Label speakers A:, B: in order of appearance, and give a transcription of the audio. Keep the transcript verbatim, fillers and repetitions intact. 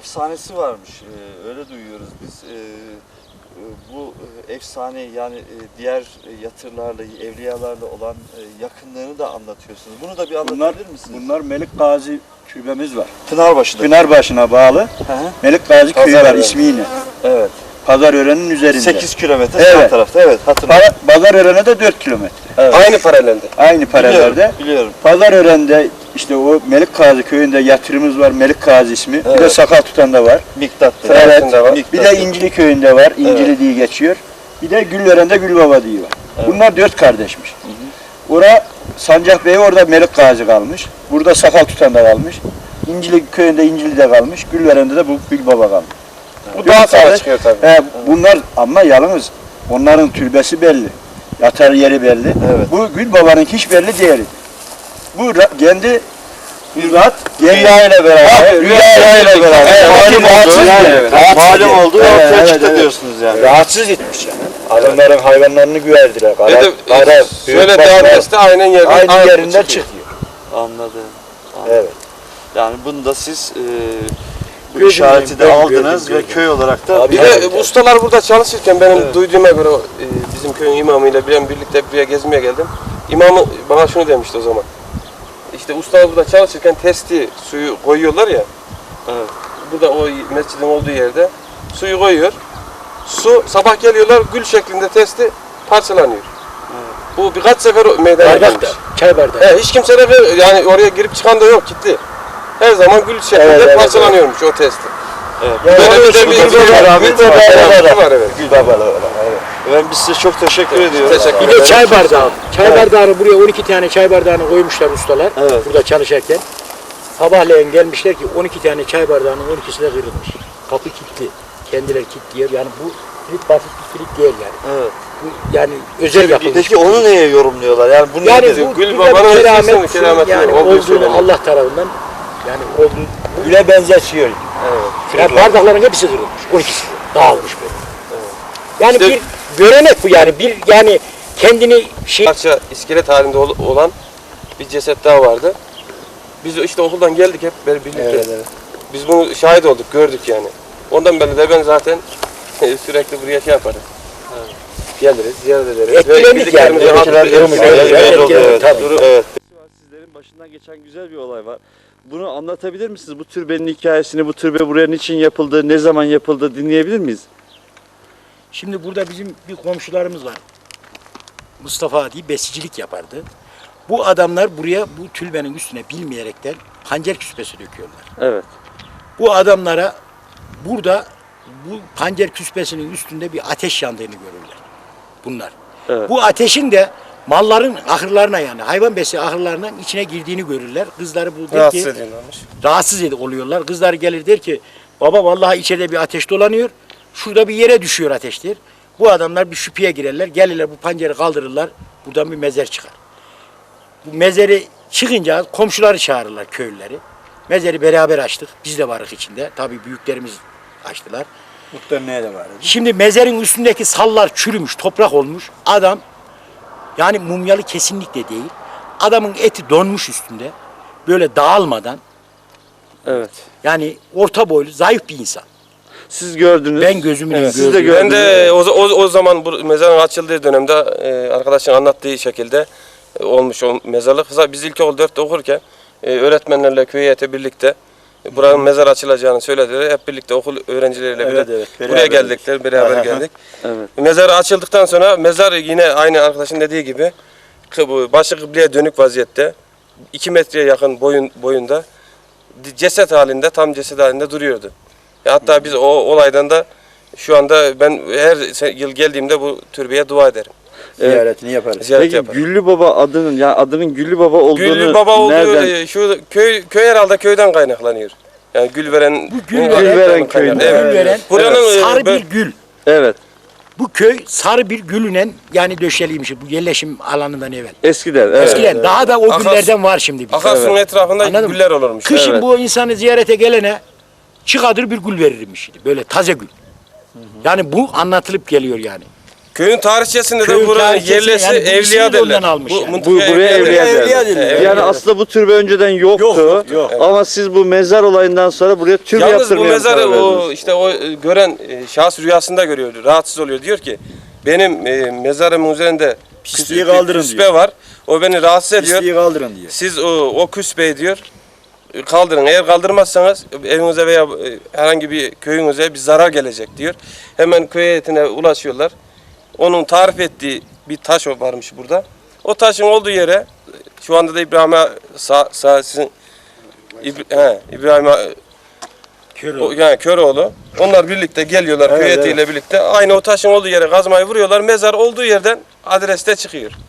A: efsanesi varmış. Ee, öyle duyuyoruz biz. Ee, bu efsane yani diğer yatırlarla, evliyalarla olan yakınlığını da anlatıyorsunuz. Bunu da bir anlatabilir
B: bunlar,
A: misiniz?
B: Bunlar Melik Gazi türbemiz var.
A: Pınarbaşı'da.
B: Pınarbaşı'na bağlı. Hı hı. Melik Gazi köyü var ismiyle.
A: Evet.
B: Pazarören'in üzerinde.
A: sekiz kilometre
B: evet.
A: sağ tarafta. Evet, hatırlıyorum.
B: Pazarören'e de dört kilometre.
A: Evet.
C: Aynı paralelde.
B: Aynı paralelde.
A: Biliyorum, biliyorum.
B: Pazarören'de işte o Melik Gazi köyünde yatırımız var. Melik Gazi ismi. Evet. Bir de Sakal Tutan'da var.
A: Miktat'ta.
B: Evet.
A: Var.
B: Miktat bir de İncili köyünde var. İncili evet. diye geçiyor. Bir de Güllören'de Gülbaba diye var. Evet. Bunlar dört kardeşmiş. Hı hı. Ora Sancak Bey orada Melik Gazi kalmış. Burada Sakal Tutan'da kalmış. İncili köyünde İncili'de kalmış. Gülveren'de de bu Gülbaba kalmış.
C: Bu daha sonra çıkıyor tabii.
B: He, bunlar ama yalnız onların türbesi belli. Yatar yeri belli. Evet. Bu Gülbaba'nın hiç belli değeri. Bu kendi Rüyat Rüya ile beraber. Rüya ile beraber.
A: Malum oldu. Malum oldu. Ortaya çıktı diyorsunuz yani.
B: Rahatsız etmiş yani. Adamların hayvanlarını güverdiler. Kara,
C: evet,
B: kara,
C: şöyle devam etse aynen yerinde,
B: aynı
C: aynı
B: yerinde çıkıyor.
A: Anladım. Anladım.
B: Evet.
A: Yani bunu da siz e, bu işareti de aldınız gördüm, ve köy olarak da...
C: Bir de bu ustalar burada çalışırken benim evet. duyduğuma göre e, bizim köyün imamıyla ben birlikte buraya gezmeye geldim. İmamı bana şunu demişti o zaman. İşte ustalar burada çalışırken testi suyu koyuyorlar ya. Evet. Burada o mescidin olduğu yerde suyu koyuyor. Su sabah geliyorlar gül şeklinde testi parçalanıyor. Evet. Bu birkaç sefer meydana gelmiş.
B: Çay bardağı.
C: He, hiç kimse de yani oraya girip çıkan da yok, kilitli. Her zaman gül şeklinde evet, evet, parçalanıyormuş evet. o testi.
A: Evet.
C: Yani böyle bir de bir
A: rahmeti
C: var evet.
A: Gül babalı olan. Evet. Ben biz size çok teşekkür evet, ediyorum.
D: Teşekkür bir de çay bardağı. Çay evet. bardağını buraya on iki tane çay bardağını koymuşlar ustalar. Evet. Burada çalışırken. Sabahleyin gelmişler ki on iki tane çay bardağının on ikisi de kırılmış. Kapı kilitli. Kendileri kilitliyor. Yani bu kilit basit bir kilit değil yani. Evet. Bu yani özel yapılmış.
A: Peki onu neye yorumluyorlar? Yani bunu
D: yani
A: ne
D: bu
C: Gül Baba'nın
D: keramet
C: kerameti
D: yani olduğunu Allah tarafından yani olduğunu
B: güle benzetiyor.
D: Evet. Yani bardakların hepsi kırılmış. on ikisi dağılmış böyle. Evet. Yani işte, bir görenek bu yani bir yani kendini şey
C: parça iskelet halinde olan bir ceset daha vardı. Biz işte okuldan geldik hep birlikte. Evet, evet. Biz bunu şahit olduk, gördük yani. Ondan beri de ben zaten sürekli buraya şey yaparım. Evet. Geliriz, ziyaret ederiz.
D: Etkilendik yani.
A: Evet. Sizlerin başından geçen güzel bir olay var. Bunu anlatabilir misiniz? Bu türbenin hikayesini, bu türbe buraya niçin yapıldı, ne zaman yapıldı dinleyebilir miyiz?
D: Şimdi burada bizim bir komşularımız var. Mustafa diye besicilik yapardı. Bu adamlar buraya bu türbenin üstüne bilmeyerekten pancar küspesi döküyorlar.
A: Evet.
D: Bu adamlara burada bu pancar küspesinin üstünde bir ateş yandığını görürler. Bunlar. Evet. Bu ateşin de malların ahırlarına yani hayvan besi ahırlarının içine girdiğini görürler. Kızları bu der
C: rahatsız
D: ki
C: ediyorlarmış.
D: Rahatsız oluyorlar. Kızlar gelir der ki baba vallahi içeride bir ateş dolanıyor. Şurada bir yere düşüyor ateştir. Bu adamlar bir şüpheye girerler. Gelirler bu pancarı kaldırırlar. Buradan bir mezar çıkar. Bu mezarı çıkınca komşuları çağırırlar köylüleri. Mezarı beraber açtık. Biz de varık içinde. Tabii büyüklerimiz açtılar.
B: Muhtemelen de var.
D: Şimdi mezarın üstündeki sallar çürümüş, toprak olmuş. Adam yani mumyalı kesinlikle değil. Adamın eti donmuş üstünde. Böyle dağılmadan.
A: Evet.
D: Yani orta boylu, zayıf bir insan.
A: Siz gördünüz.
D: Ben gözümle evet.
A: Siz de gördünüz.
C: Ben de o, o, o zaman bu mezarın açıldığı dönemde e, arkadaşın anlattığı şekilde e, olmuş o mezarlık. Biz ilkokul dörtte okurken e, öğretmenlerle köy heyeti birlikte e, buranın mezar açılacağını söylediler. Hep birlikte okul öğrencileriyle evet, evet, buraya geldikler, beraber geldik. Evet. Mezar açıldıktan sonra mezar yine aynı arkadaşın dediği gibi başı kıbleye dönük vaziyette iki metreye yakın boyun boyunda ceset halinde, tam ceset halinde duruyordu. Hatta biz o olaydan da şu anda ben her yıl geldiğimde bu türbeye dua ederim.
B: Ziyaretini yaparız.
C: Ziyaret
A: Peki
C: yaparım.
A: Güllü Baba adının yani adının Güllü Baba olduğunu
C: Güllü Baba olduğu
A: nereden?
C: şu köy köy herhalde köyden kaynaklanıyor. Yani Gülveren
D: bu Gülveren,
A: Gülveren köyünde.
D: Evet. Gülveren
C: Buranın
D: evet. sarı
C: ben,
D: bir gül.
A: Evet.
D: Bu köy sarı bir gülünen yani döşeliymiş bu yerleşim alanından evvel.
A: Eskiden. Evet.
D: Eskiden
C: evet.
D: daha da o
C: Akas,
D: güllerden var şimdi.
C: Akarsu'nun evet. etrafında anladın güller mı? olurmuş.
D: Kışın
C: evet.
D: bu insanı ziyarete gelene çıkadır bir gül verirmiş. Böyle taze gül. Hı hı. Yani bu anlatılıp geliyor yani.
C: Köyün tarihçesinde
D: Köyün
C: de buranın
D: tarihçesini,
C: yerlisi
D: yani bu ismini
C: Evliya
D: de ondan
C: derler.
D: almış yani.
C: mıntıka
E: Bu- buraya Evliya
C: derler.
E: derler.
C: Evet,
E: Yani
C: Evliya.
E: aslında bu türbe önceden yoktu.
D: Yok, yok, yok.
E: Ama siz bu mezar olayından sonra buraya türbe
C: Yalnız bu
E: yaptırmaya
C: mezarı
E: karar
C: o
E: verdiniz.
C: işte o e, gören e, şahıs rüyasında görüyor, rahatsız oluyor. Diyor ki benim e, mezarımın üzerinde
B: Pisliği
C: küs-
B: kaldırın
C: küspe
B: diyor.
C: var. O beni rahatsız ediyor.
B: Pisliği kaldırın diyor.
C: Siz o, o küspeyi diyor e, kaldırın. Eğer kaldırmazsanız evinize veya e, herhangi bir köyünüze bir zarar gelecek diyor. Hemen köy heyetine ulaşıyorlar. Onun tarif ettiği bir taş varmış burada. O taşın olduğu yere şu anda da İbrahim'e sağ, sağ sizin İbra- he, İbrahim'e
D: Kör
C: o,
D: oldu.
C: yani Köroğlu. Onlar birlikte geliyorlar
B: Evet,
C: köy heyetiyle birlikte. Aynı o taşın olduğu yere kazmayı vuruyorlar. Mezar olduğu yerden adreste çıkıyor.